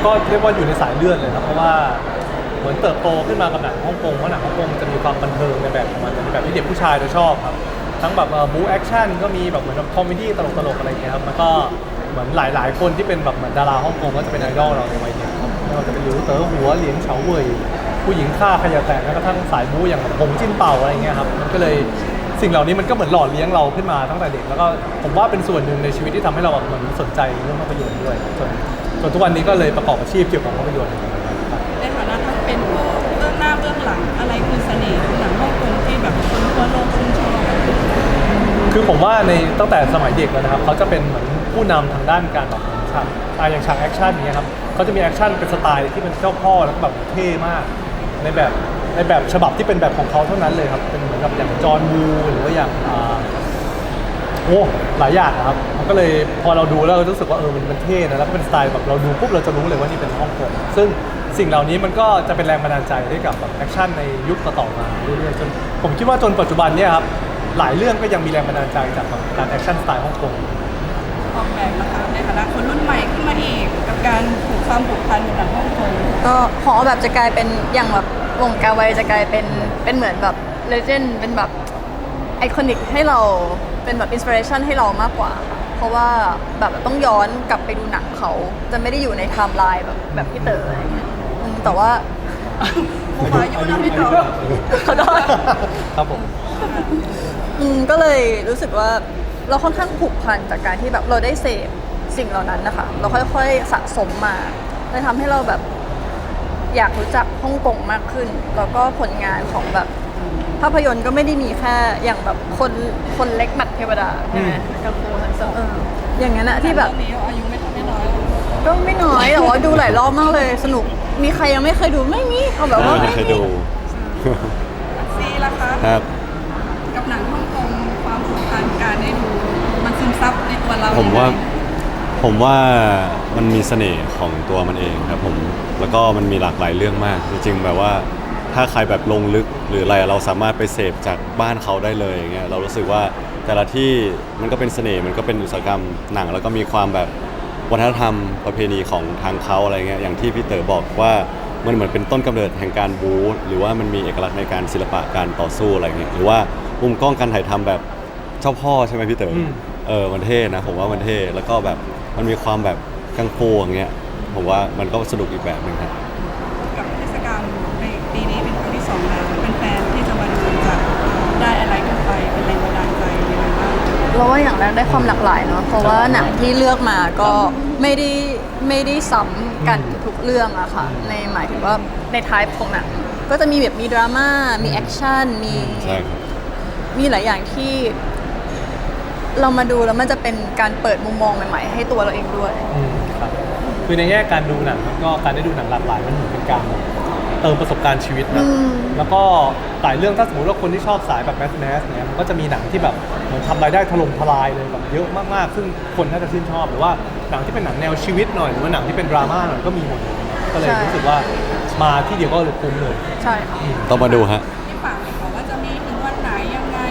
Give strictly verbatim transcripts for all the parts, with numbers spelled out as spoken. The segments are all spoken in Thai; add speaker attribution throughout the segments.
Speaker 1: ก็เรียกว่าอยู่ในสายเลือดเลยครับเพราะว่าเหมือนเติบโตขึ้นมากับหนังฮ่องกงเพราะหนังฮ่องกงจะมีความบันเทิงในแบบของมันในแบบที่เด็กผู้ชายจะชอบครับทั้งแบบบู๊แอคชั่นก็มีแบบเหมือนคอมเมดี้ตลกๆอะไรอย่างเงี้ยครับมันก็เหมือนหลายๆคนที่เป็นแบบเหมือนดาราฮ่องกงก็จะเป็นไอดอลเราในวัยเด็กครับไม่ว่าจะเป็นหลิวเต๋อหัวเหลียงเฉาเว่ยผู้หญิงฆ่าขยะแตกแม้กระทั่งสายบู๊อย่างแบบหงจิ้นเป่าอะไรเงี้ยครับมันก็เลยสิ่งเหล่านี้มันก็เหมือนหล่อเลี้ยงเราขึ้นมาตั้งแต่เด็กแล้วก็ผมว่าเป็นส่วนหนึ่งในชีวิตที่ทำให้เราแบบเหมือนสนใจเรื่องภาพยนตร์ด้วยจนจนทุกวันนี้ก็เลยประกอบอาชีพเกี่ยวกับภาพยนตร์
Speaker 2: ในฐานะที่เป็นผู้เบื้องหน้าเบื้องหลังอะไรคือเสน่ห์ของหนังฮ่องกงที่แบบคนทั่วโลกชื่นชอบ
Speaker 1: คือผมว่าในตั้งแต่สมัยเด็กแล้วนะครับเขาจะเป็นเหมือนผู้นำทางด้านการแบบฉากอย่างฉากแอคชั่นอย่างเงี้ยครับเขาจะมีแอคชั่นเป็นสไตล์ที่เป็นเจ้าพ่อแล้วก็แบบเท่มากในแบบในแบบฉบับที่เป็นแบบของเขาเท่านั้นเลยครับเป็นเหมือนกับอย่างจอห์นวูหรือว่าอย่างโอ้หลายอย่างนะครับมันก็เลยพอเราดูแล้วเรารู้สึกว่าเออมันมันเท่นะแล้วก็เป็นสไตล์แบบเราดูปุ๊บเราจะรู้เลยว่านี่เป็นฮ่องกงซึ่งสิ่งเหล่านี้มันก็จะเป็นแรงบันดาลใจให้กับแบบแอคชั่นในยุคต่อๆมาเรื่อยๆจนผมคิดว่าจนปัจจุบันเนี่ยครับหลายเรื่องก็ยังมีแรงบันดาลใจจากการแอคชั่นสไตล์ฮ่องกง
Speaker 2: ออกแบบนะคะในฐานะคนรุ่นใหม่ขึ้นมาอีกกับการผูกความผูกพันกับหนังฮ่องกง
Speaker 3: ก็หอแบบจะกลายเป็นอย่างแบบวงการไวจะกลายเป็นเป็นเหมือนแบบเลเจนด์เป็นแบบไอคอนิกให้เราเป็นแบบอินสปิเรชันให้เรามากกว่าเพราะว่าแบบต้องย้อนกลับไปดูหนังเขาจะไม่ได้อยู่ในไทม์ไลน์แบบแบบพี่เต๋ออะไรเงี้ยแต่ว่า
Speaker 2: ผมอายุนะพี่เต๋อ
Speaker 3: เขาได้
Speaker 1: ครับผม
Speaker 3: อืมก็เลยรู้สึกว่าเราค่อนข้างผูกพันจากการที่แบบเราได้เสพสิ่งเหล่านั้นนะคะเราค่อยๆสะสมมาเลยทำให้เราแบบอยากรู้จักฮ่องกงมากขึ้นแล้วก็ผลงานของแบบภาพยนตร์ก็ไม่ได้มีแค่อย่างแบบคนคนเล็กหมัดเทวดาใช่ไหมกับโคทั้งสองเอออย่างนั้นอะที่แบบ
Speaker 2: อายุไม่เท่าไม่น้อย
Speaker 3: ก็ไม่น้อยแต่ว่าดูหลายรอบมากเลยสนุกมีใครยังไม่เคยดูไม่มีเอาแบบว่า
Speaker 4: ไม่เคยดู
Speaker 2: ซีล่ะคะ
Speaker 4: ครับ
Speaker 2: กับหนังฮ่องกงความผูกพันการได้ดูมันซึมซับในตัวเรา
Speaker 4: ผมว่าผมว่ามันมีเสน่ห์ของตัวมันเองครับผมแล้วก็มันมีหลากหลายเรื่องมากจริงๆแบบว่าถ้าใครแบบลงลึกหรืออะไรเราสามารถไปเสพจากบ้านเขาได้เลยอย่างเงี้ยเรารู้สึกว่าแต่ละที่มันก็เป็นเสน่ห์มันก็เป็นอุตสาหกรรมหนังแล้วก็มีความแบบวัฒนธรรมประเพณีของทางเขาอะไรเงี้ยอย่างที่พี่เต๋อบอกว่ามันเหมือนเป็นต้นกำเนิดแห่งการบู๊หรือว่ามันมีเอกลักษณ์ในการศิลปะการต่อสู้อะไรเงี้ยหรือว่ามุมกล้องการถ่ายทำแบบเจ้าพ่อใช่ไหมพี่เต๋อเออมันเท่นะผมว่ามันเท่แล้วก็แบบมันมีความแบบกังฟูอย่างเงี้ยผมว่ามันก็สนุกอีกแบบนึงครับ
Speaker 2: กับเทศกาลในปีนี้เป็นครั้งที่สองแล้วเป็นแฟนที่จะมาดูจะได้อะไรกันไปเป็นแรงบันดาลใจยังไงบ้าง
Speaker 3: เราว่าอย่างแรกได้ความหลากหลายเนาะเพราะว่าหนังที่เลือกมาก็ไม่ได้ไม่ได้ซ้ำกันทุกเรื่องอะค่ะในหมายถึงว่าในไทป์ของหนังก็จะมีแบบมีดราม่ามีแอคชั่นมีมีหลายอย่างที่เรามาดูแล้วมันจะเป็นการเปิดมุมมองใหม่ๆให้ตัวเราเองด้วย
Speaker 1: ครับคือในแง่การดูหนังก็การได้ดูหนังหลากหลายมันเหมือนเป็นการเติมประสบการณ์ชีวิตนะแล้วก็หลายเรื่องถ้าสมมติว่าคนที่ชอบสายแบบแมสแมสเนี่ยมันก็จะมีหนังที่แบบเหมือนทำรายได้ถล่มทลายเลยแบบเยอะมากๆซึ่งคนน่าจะชื่นชอบหรือว่าหนังที่เป็นหนังแนวชีวิตหน่อยหรือว่าหนังที่เป็นดราม่าหน่อยก็มีหมดก็เลยรู้สึกว่ามาที่เดียวก็เลยคุ้มเลย
Speaker 3: ใช่
Speaker 4: ต้องมาดูฮะ
Speaker 2: ที่ฝากบอกว่าจะมีถึงวันไหนยังไง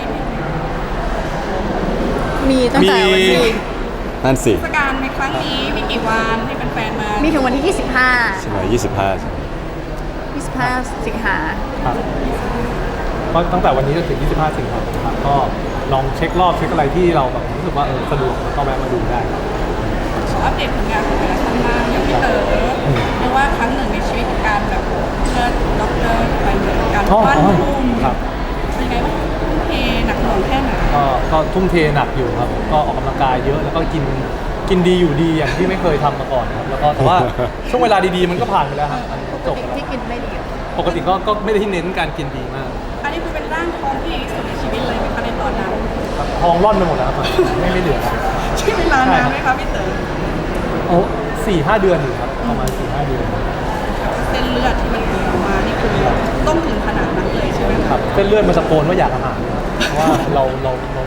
Speaker 3: มีตั้งแต่วันที่
Speaker 4: นั่นสิ
Speaker 2: เทศกาลในครั้งนี้มีกี่วันให้แฟนๆมา
Speaker 3: มีถึงวันที่ยี่สิบห้า
Speaker 4: ใช่ไหมยี่สิบห้า
Speaker 3: ยี่สิบห้าสิงหา
Speaker 1: ครับก็ตั้งแต่วันนี้จนถึงยี่สิบห้าสิงหาครับก็ลองเช็ครอบเช็คอะไรที่เราแบบรู้สึกว่าเออสะดวกก็แวะมาดูได้
Speaker 2: ขออัปเดตผลงานของแต่ละท่านบ้างอย่างพี่เต๋อเรียกว่าครั้งหนึ่งในชีวิตการแบบเชิดด็อกเตอร์ไปเหมือนการวาดรูป
Speaker 1: ครับ
Speaker 2: เป็นไงบ้างทุ่มเทหนักหน่วงแค่ไหน
Speaker 1: ก็ก็ทุ่มเทหนักอยู่ครับก็ออกกำลังกายเยอะแล้วก็กินกินดีอยู่ดีอย่างที่ไม่เคยทำมาก่อนครับแล้วก็แต่ว่าช่วงเวลาดีๆมันก็ผ่านไปแล้วครับ
Speaker 3: จบที่กินไม่ดี
Speaker 1: ปกติก็ก็ไม่ได้ที่เน้นการกินดีมาก
Speaker 2: อันนี้คือเป็นร่างทองที่ดีที่สุดในชีวิตเลยไหมคะในตอนนั้น
Speaker 1: ทองร่อนไปหมดแล้วครับไม่ไม่เหลือ
Speaker 2: ใช้เวลานานไหมคะพี่เต๋อ
Speaker 1: โอ้สี่ห้าเดือนอยู่ครับประมาณสี่ห้าเดือน
Speaker 2: เส้นเลือดที่มันเกิดออกมานี่คือต้องถึงขนาดนั้นเลยใช่ไหม
Speaker 1: ครับเส้นเลือดมันตะโกนว่าอยากอาหารเพราะว่าเราเราเรา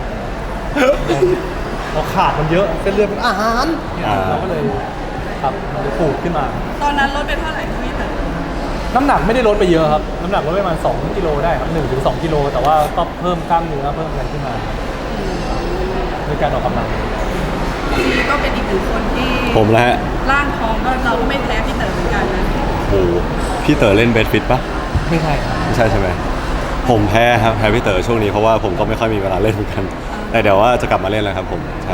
Speaker 1: เราขาดมันเยอะเส้นเลือดเป็นอาหารเราก็เลยครับมันจะปูดขึ้นมา
Speaker 2: ตอนนั้นลดไปเท่าไหร่พี่เต๋อ
Speaker 1: น้ำหนักไม่ได้ลดไปเยอะครับน้ำหนักลดไปประมาณสองกิโลได้ครับหนึ่งถึงสองกิโลแต่ว่าต้องเพิ่มกล้ามเนื้อเพิ่มอะไรขึ้นมาด้วยการออกกำลัง
Speaker 2: กพี่ก็เป็นอีกหนึ่งคนที่
Speaker 4: ผมแล้วฮะ
Speaker 2: ร่างทองก็เราก็ไม่แพ้พี่เต๋อเหมือนกันนะ
Speaker 4: โอ้โหพี่เต๋อเล่นเบสฟิตปะ
Speaker 1: ไม่ใช่ครับ
Speaker 4: ไม่ใช่ใช่ไหมผมแพ้ครับแพ้พี่เต๋อช่วงนี้เพราะว่าผมก็ไม่ค่อยมีเวลาเล่นเหมือนกัน แต่เดี๋ยวว่าจะกลับมาเล่นแล้วครับผมใช่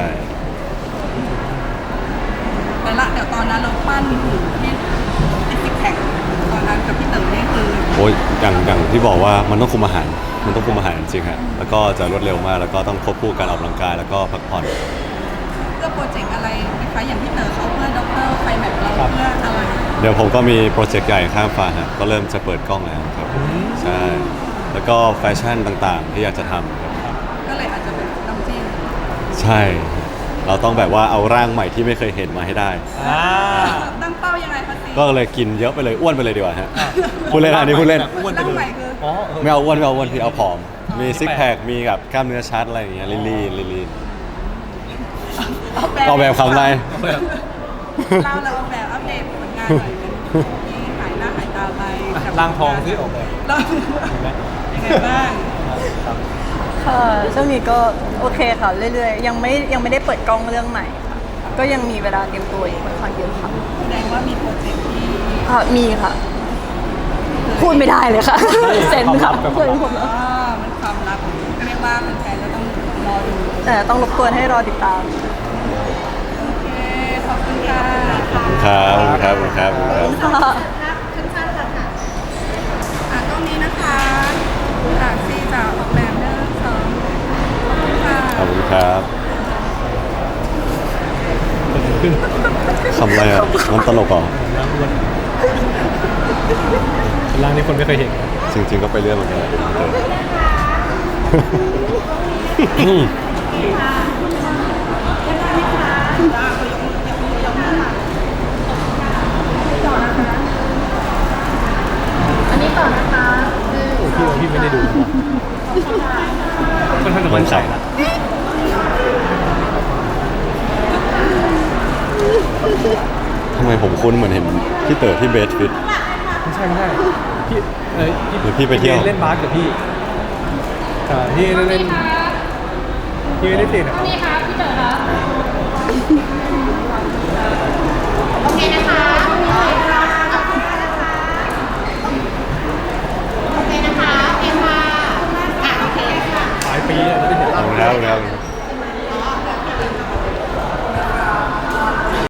Speaker 2: แต่ละเดี๋ยวตอนนั้นเราปั้นหุ่นที่ติดซิกแพคตอนนั้นกับพี่เต๋อเนี่ยคือ
Speaker 4: โอ้ยอย่างอย่างที่บอกว่ามันต้องคุมอาหาร มันต้องคุมอาหารจริงๆฮะแล้วก็จะรวดเร็วมากแล้วก็ต้องควบคู่การออกกำลังกายแล้วก็พักผ่อน
Speaker 2: เพื่อโปรเจกต์อะไรนะคะอย่างพี่เต๋อเขาเพื่อด็อกเตอร์ไฟแมทเราเพื่ออะไร
Speaker 4: เดี๋ยวผมก็มีโปรเจกต์ใหญ่ข้ามฟ้าฮะก็เริ่มจะเปิดกล้องแล้วครับใช่แล้วก็แฟชั่นต่างๆ ที่อยากจะทำครับ
Speaker 2: ก็เลยอาจจะเป็นน้ำจิ้ม
Speaker 4: ใช่ เราต้องแบบว่าเอาร่างใหม่ที่ไม่เคยเห็นมาให้ได้
Speaker 1: อ่า
Speaker 2: ตั้งเป้ายังไงคะซี
Speaker 4: ก็เลยกินเยอะไปเลยอ้วนไปเลยดีกว่าฮะพูดเล่นอันนี้พูดเล่น
Speaker 1: อ้วนไป
Speaker 2: ร่าง
Speaker 1: เล
Speaker 2: ใหม่
Speaker 1: ย
Speaker 2: คือ
Speaker 1: อ๋อเออ
Speaker 4: ไม่เอาอ้วนไม่เอาอ้วนพี่เอาผอม มีซิกแพคมีแบบกล้ามเนื้อชัดอะไรอย่างเงี้ยลีลีลีลีออกแบบคำอะไร
Speaker 2: เราเราเอาแบบอัปเดตผลงานหน่อยเป็นที่หายหน้าหายตาไปกับ
Speaker 1: ร่างทองที่ออกแบบ
Speaker 2: เรายังไงบ้าง
Speaker 1: ครับ
Speaker 3: ค่ะช่วงนี้ก็โอเคค่ะเรื่อยๆยังไม่ยังไม่ได้เปิดกล้องเรื่องใหม่ค่ะก็ยังมีเวลาเตรียมตัวอีกค่อนข้างเยอะค่ะ
Speaker 2: แสดงว่ามีโปรเจกต์ที่
Speaker 3: ค่ะมีค่ะ พูดไม่ได้เลยค่ะเซ็นค่ะ
Speaker 1: ความลับ
Speaker 3: เซ็นผมแล้ว
Speaker 2: อ่ามันความลับเรียกว่าแฟนๆก็ต้องรอดู
Speaker 3: แต่ต้องรบกวนให้รอติดตาม
Speaker 2: โอเคขอบคุณค่ะ
Speaker 4: ครับครับครับครับ
Speaker 3: ค่ะ
Speaker 2: อ่ะตรงนี้นะคะอ่ะซีจะออกแบบเรื่องสองขอบคุณค่ะ
Speaker 4: ขอบคุณครับคำอะไรอ่ะมันตลกเหรอ
Speaker 1: ร่างนี้คนไม่เคยเห็น
Speaker 4: จริง ๆ ก็ไปเรื่อยเหมือนกันเออ
Speaker 3: อันนี้ต่อนะคะ
Speaker 1: พี่ว่าพี่ไม่ได้ดูค่อนข้างจะ
Speaker 4: มั
Speaker 1: มั่
Speaker 4: น
Speaker 1: นใจ
Speaker 4: ใส่
Speaker 1: นะ
Speaker 4: ทำไมผมคุ้นเหมือนเห็นพี่เต๋อที่เบสฟิต
Speaker 1: ไม่ใช่ไม่ใช่พี่เอ้ย
Speaker 4: หรือพี่ไปเที่ยว
Speaker 1: เล่นบาสกับพี่อ่าพี่เล่นเล่นพี่ไม่ได้ติดนะครับ
Speaker 5: นี่ครับพี่เต๋อครับ โอเคนะคะ